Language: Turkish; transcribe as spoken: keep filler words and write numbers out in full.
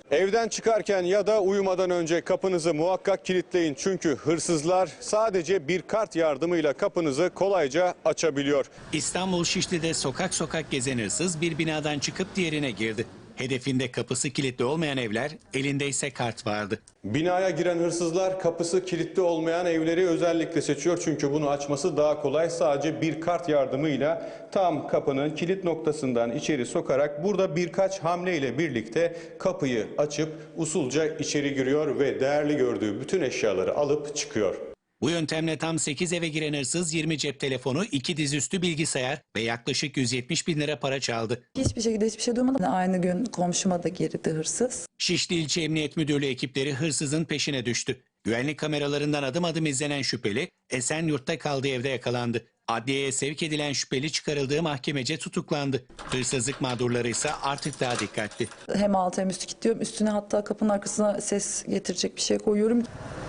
Evden çıkarken ya da uyumadan önce kapınızı muhakkak kilitleyin. Çünkü hırsızlar sadece bir kart yardımıyla kapınızı kolayca açabiliyor. İstanbul Şişli'de sokak sokak gezen hırsız bir binadan çıkıp diğerine girdi. Hedefinde kapısı kilitli olmayan evler, elinde ise kart vardı. Binaya giren hırsızlar kapısı kilitli olmayan evleri özellikle seçiyor. Çünkü bunu açması daha kolay. Sadece bir kart yardımıyla tam kapının kilit noktasından içeri sokarak burada birkaç hamleyle birlikte kapıyı açıp usulca içeri giriyor ve değerli gördüğü bütün eşyaları alıp çıkıyor. Bu yöntemle tam sekiz eve giren hırsız yirmi cep telefonu, iki dizüstü bilgisayar ve yaklaşık yüz yetmiş bin lira para çaldı. Hiçbir şekilde hiçbir şey duymadım. Aynı gün komşuma da girdi hırsız. Şişli İlçe Emniyet Müdürlüğü ekipleri hırsızın peşine düştü. Güvenlik kameralarından adım adım izlenen şüpheli Esenyurt'ta kaldığı evde yakalandı. Adliyeye sevk edilen şüpheli çıkarıldığı mahkemece tutuklandı. Hırsızlık mağdurları ise artık daha dikkatli. Hem altı hem üstü kilitliyorum. Üstüne hatta kapının arkasına ses getirecek bir şey koyuyorum.